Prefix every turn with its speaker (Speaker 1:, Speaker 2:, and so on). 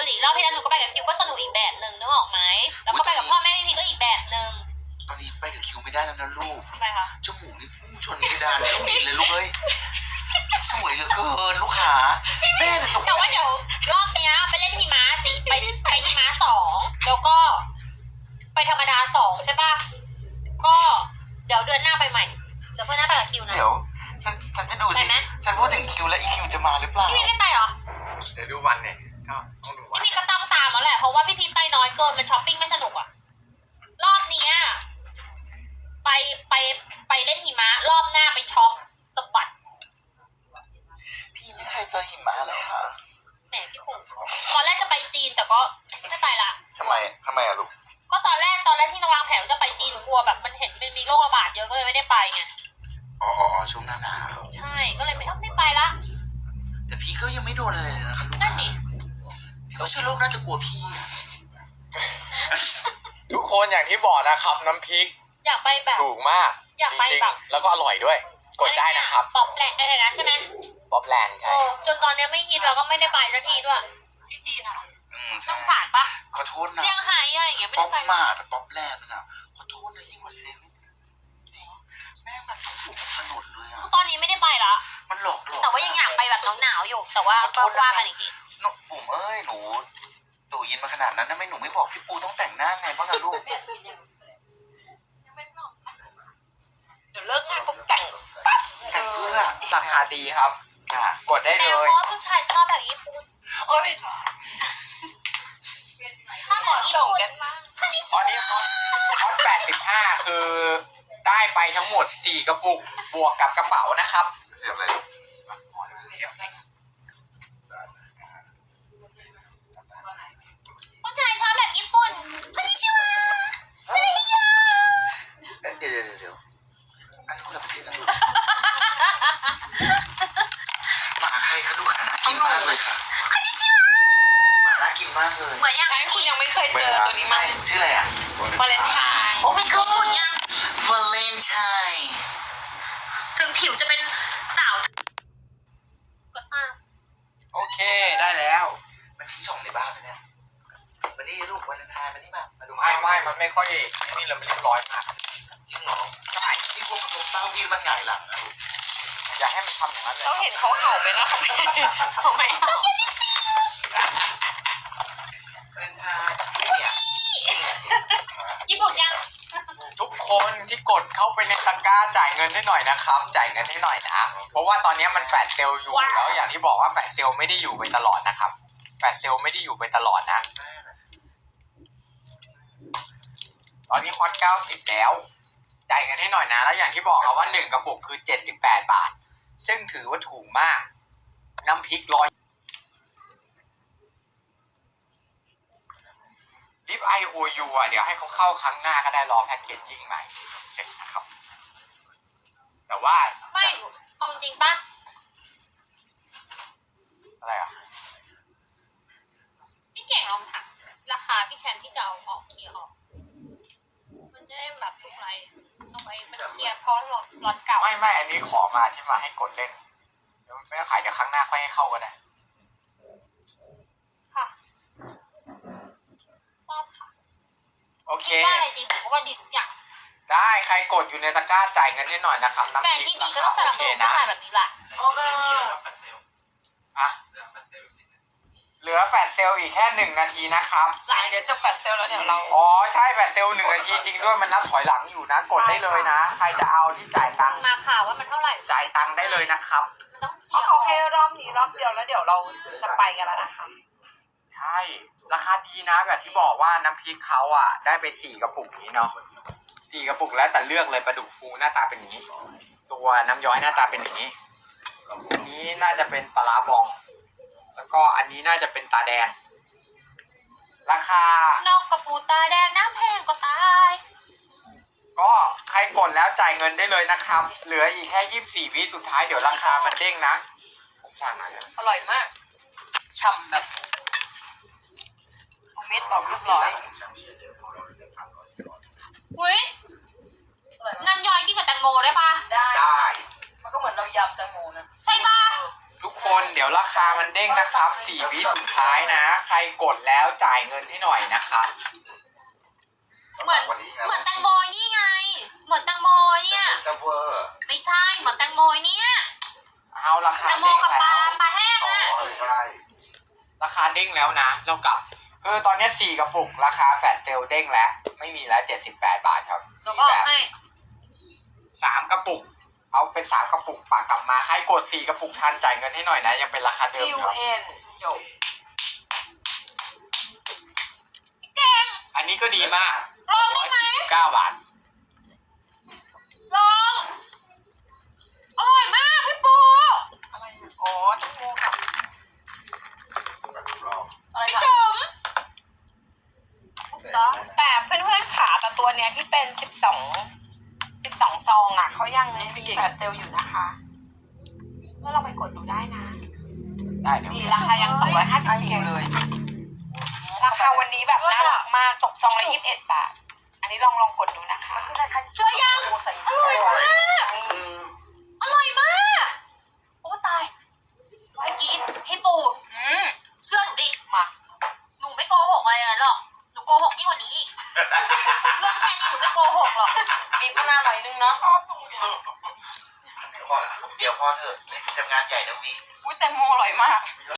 Speaker 1: หลีรอบที่แล้วหนูก็ไปกับคิวก็สนุกอีกแบบหนึ่งนึกออกไหมแล้วก็ไปกับพ่อแม่พี่พีก็อีกแบบหนึ่ง
Speaker 2: ตอนนี้ไปกับคิวไม่ได้แล้วนะลูก
Speaker 1: ทำไมคะ
Speaker 2: จมูกนี่พุ่งชนเพดานเครื่องบินเลยลูกเอ้ยสวยเหลือเกินลูกขาแม่เนี่ยตกใจ
Speaker 1: แต่ว่าเดี๋ยวรอบเนี้ยไปเล่นหิมะสิไปหิมะ2แล้วก็ไปธรรมดา2ใช่ป่ะก็เดี๋ยวเดือนหน้าไปใหม่เดี๋ยวเพื่อนหน้าไปกับคิวนะ
Speaker 2: เดี๋ยวฉันจะดูสิฉันพูดถึงคิวแล้วอีคิวจะมาหรือเปล่า
Speaker 1: พี่พีไม่ไปเหรอ
Speaker 3: เดี๋ยวดูวันเนี่ยก็ต้องดูวัน
Speaker 1: พี่พีก็ต้องตามแล้วแหละเพราะว่าพี่พีไปน้อยเกินมันช้อปปิ้งไม่สนุกอ่ะรอบเนี้ยไปเล่นหิมะรอบหน้าไปช็อปสะบัด
Speaker 2: พี่ไม่เคยเจอหิมะเลยค่ะ
Speaker 1: แหมพี่ปุ๊ตอนแรกจะไปจีนแต่ก็ไม่ไปละ
Speaker 2: ทำไมอะลูก
Speaker 1: ก็ตอนแรกที่นวางแผนจะไปจีนกลัวแบบมันเห็นมันมีโรคระบาดเยอะก็เลยไม่ได้ไปไง
Speaker 2: อ๋อช่วงหน้าหนาว
Speaker 1: ใช่ก็เลยไม่ไปละ
Speaker 2: แต่พี่ก็ยังไม่โดนอะไรเลยนะคะลูก
Speaker 1: นั่นดิ
Speaker 2: พี่ก็เชื่อโลกน่าจะกลัวพี่
Speaker 3: ทุกคนอย่างที่บอกนะครับน้ำพริก
Speaker 1: อยากไปแบบ
Speaker 3: ถูกมาก
Speaker 1: อยากไปแบบ
Speaker 3: แล้วก็อร่อยด้วยกดได้นะครับ
Speaker 1: ป๊อปแลนด์อะไรนะใช่ไหม
Speaker 3: ป๊อปแลนด์ใช่
Speaker 1: จนตอนนี้ไม่ฮิตเราก็ไม่ได้ไปสักทีด้วยที่จีนอ่ะ
Speaker 2: ใช่
Speaker 1: สงสารปะ
Speaker 2: ขอโทษนะ
Speaker 1: เซี่ยงไฮ้อะไรอย่างเงี้ยไม่ได้ไป
Speaker 2: ป๊อปมาแต่ป๊อปแลนด์น่ะขอโทษนะยิ่งกว่าเซเว่นจริงแม่งแบบถูกถนนเลยอ่ะ
Speaker 1: คือตอนนี้ไม่ได้ไปละ
Speaker 2: มันหลอก
Speaker 1: แต่ว่ายังอยากไปแบบหนาวๆอยู่แต่ว่าก็ว่ากันอีกที
Speaker 2: หนูบุ๋มเอ้ยหนูตู่ยินมาขนาดนั้นนะไม่หนูไม่บอกพี่ปูต้องแต่งหน้าไงบ้างอะลูก
Speaker 1: เดี๋ยวเลิกงานปุ๊บแต่งปั๊บ
Speaker 2: แต่งเพื่อ
Speaker 3: ราคาดีครับกดได้เลย
Speaker 1: เพราะว่าผู้ชายชอบแบบญี่ปุ่น
Speaker 2: โอ้ย
Speaker 1: ถ้าบอกญี่ปุ่น
Speaker 3: ตอนนี้ฮอต85คือได้ไปทั้งหมด4กระปุกบวกกับกระเป๋านะครับ
Speaker 2: เสียบอะไร
Speaker 1: ผู้ชายชอบแบบญี่ปุ่นคอนนิชิวะสวัสดีค่ะ
Speaker 2: เดี๋ยวอันนี้คนละประเทศนะลูกหมาใครคะลูกหาน่ากินมากเลยค่ะ
Speaker 1: คอนนิชิวะ
Speaker 2: หมาน่ากินมากเลย
Speaker 1: เหมือนยัง
Speaker 4: ใช่คุณยังไม่เคยเจอตัวนี้มั้ย
Speaker 2: ชื่ออะไรอ่ะ
Speaker 4: วาเลนไทน์
Speaker 2: โอ้ my god
Speaker 1: ยัง
Speaker 2: วาเลนไทน์
Speaker 1: ถึงผิวจะเป็นสาวก็ตาม
Speaker 3: โอเคได้แล้ว
Speaker 2: มันชิ้นส่งในบ้านเลยเนี่ยวันนี้ลูกวาเลนไทน์มานี่มาดู
Speaker 3: ไม่มันไม่ค่อยนี่เราไม่เรียบร้อยมาก
Speaker 2: จริงเหรอใช่ที่พวกมันเต้าพี่มันหงายหลังนะลูก
Speaker 3: อย่าให้มันทำอย่างนั้นเลย
Speaker 4: เราเห็นเขาเห่าไปแล้วทำไม
Speaker 2: วาเลนไทน์เนี่ย
Speaker 1: ญี่ปุ่นยัง
Speaker 3: ทุกคนที่กดเข้าไปในตะกร้าจ่ายเงินให้หน่อยนะครับจ่ายเงินให้หน่อยนะเพราะว่าตอนนี้มันแฟลชเซลล์อยู่แล้วอย่างที่บอกว่าแฟลชเซลล์ไม่ได้อยู่ไปตลอดนะครับแฟลชเซลล์ไม่ได้อยู่ไปตลอดนะตอนนี้ฮอต90แล้วจ่ายเงินให้หน่อยนะแล้วอย่างที่บอกครับว่า1กระปุกคือ78 บาทซึ่งถือว่าถูกมากน้ำพริกลิป IOU อ่ะเดี๋ยวให้เขาเข้าครั้งหน้าก็ได้รอแพ็กเกจจิ้งใหม่เสร็จนะครับแต่ว่า
Speaker 1: ไม่เอาจริงปะ
Speaker 3: อะไรอ่ะ
Speaker 1: พี่เก่งลองถามราคาพี่แชมป์ที่จะเอาออกเคลียร์ออกมันจะได้แบบทุกไรเอาไว้มันเคลียร์เพราะรถเก่า
Speaker 3: ไม่อันนี้ขอมาที่มาให้กดเล่นเดี๋ยวไม่ต้องขายเดี๋ยวครั้งหน้าค่อยให้เข้าก็ได้
Speaker 1: ค่ะชอบค่ะ
Speaker 3: โอเค
Speaker 1: ว่าอะไรดีผมก็ว่าดีทุกอย่าง
Speaker 3: ได้ใครกดอยู่ในตะกร้าจ่ายเงินนิดหน่อยนะครับ
Speaker 1: แฟนที่ดีก็ต้องสนับสนุนผู้ชายแบบนี้แหละ
Speaker 3: อ่ะเหลือแฟลชเซลล์อีกแค่1 นาทีนะครับ
Speaker 4: เดี๋ยวจะแฟลชเซลแล้วเดี๋ยวเรา
Speaker 3: ใช่แฟลชเซลล์1 นาทีจริงด้วยมันนับถอยหลังอยู่นะกดได้เลยนะใครจะเอาที่จ่ายตังค์
Speaker 1: มาค่ะว่ามันเท่าไหร่
Speaker 3: จ่ายตังค์ได้เลยนะครับ
Speaker 4: เพราะเขาให้รอบนี้รอบเดียวแล้วเดี๋ยวเราจะไปกันแล้วนะคะ
Speaker 3: ใช่ราคาดีนะแบบที่บอกว่าน้ำพริกเขาอ่ะได้ไป4 กระปุกนี้เนาะ4 กระปุกแล้วแต่เลือกเลยปลาดุกฟูหน้าตาเป็นอย่างนี้ตัวน้ำย้อยหน้าตาเป็นอย่างนี้อันนี้น่าจะเป็นปลาร้าบองแล้วก็อันนี้น่าจะเป็นตาแดงราคาน
Speaker 1: กกระปูตาแดงน้ำแพงก็ตาย
Speaker 3: ก็ใครกดแล้วจ่ายเงินได้เลยนะครับเหลืออีกแค่24 วิสุดท้ายเดี๋ยวราคามันเด้งนะผมสั่งหน่อย
Speaker 4: อร่อยมากฉ่ำแบบเม็ดบอกเรียบร้อย
Speaker 1: อุ้ยน้ำย้อยกินกับแตงโมได้ปะ
Speaker 4: ได้มันก็เหมือนเรายำแตงโมนะ
Speaker 1: ใช่ปะ
Speaker 3: ทุกคนเดี๋ยวราคามันเด้งนะครับ4 วิสุดท้ายนะ ใครกดแล้วจ่ายเงินให้หน่อยนะครับ
Speaker 1: เหมือน
Speaker 2: วันนี้นะ
Speaker 1: เหมือนแตงโมนี่ไง เหมือนแตงโมเนี่ย
Speaker 2: ซับเวอร์
Speaker 1: ไม่ใช่เหมือนแตงโมเนี่ย
Speaker 3: เอาราคา
Speaker 1: แตงโม
Speaker 3: เด้ง
Speaker 1: กับป
Speaker 3: แล้
Speaker 1: ลาว ปลาแห้ง
Speaker 2: อ๋อ
Speaker 1: อ่ะ
Speaker 2: ใช่
Speaker 3: ราคาเด้งแล้วนะ เรากลับคือตอนนี้4 กระปุกราคาแฟลชเซลเด้งแล้วไม่มีแล้ว78 บาทครับ
Speaker 1: แล้ว
Speaker 3: มี
Speaker 1: ก็
Speaker 3: แบบ
Speaker 1: ให้
Speaker 3: 3 กระปุก เอาเป็น3 กระปุกปากกลับมาใครกด4 กระปุกทันจ่ายเงินให้หน่อยนะยังเป็นราคาเดิม
Speaker 4: จิว
Speaker 3: ครับ
Speaker 4: เอ็นจบ
Speaker 1: เก่ง
Speaker 3: อันนี้ก็ดีมาก
Speaker 1: ลองได้ไหม
Speaker 3: 149 บาท
Speaker 1: ลองอร่อยมากพี่ปู
Speaker 4: อะไรนะอ๋อแตงโมกับ
Speaker 2: แบบรอบ
Speaker 4: อะไร
Speaker 1: พี่
Speaker 4: นะ
Speaker 1: จุ๋ม
Speaker 4: แต่เพื่อนๆขาแต่ตัวเนี้ยที่เป็น12ซองอ่ะเขายังมีแฟลชเซลอยู่นะคะเมื่อเราไปกดดูได้นะ
Speaker 3: ได้เดี๋ยว
Speaker 4: มีราคายัง254อยู่เลย ราคาวันนี้แบบน่ารักมากตกซองละ21 บาท อันนี้ลองกดดูนะคะ
Speaker 1: เชื่อยังอร่อยมาก อร่อยมาก โอ้ตายไว้กินพี่ปูเชื่อหนูดิ
Speaker 4: มา
Speaker 1: หนูไม่โกหกอะไรหรอก หนูโกหกยิ่งกว่านี้อีก เรื่องแค่นี้หนูไม่โกหกหรอก
Speaker 4: บีบมะนาวหน่อยนึงเนาะชอบตรงนี้
Speaker 2: เดี๋ยวพอเถอะทำงานใหญ่นะวี
Speaker 4: อุ้ยแตงโมอร่อยมาก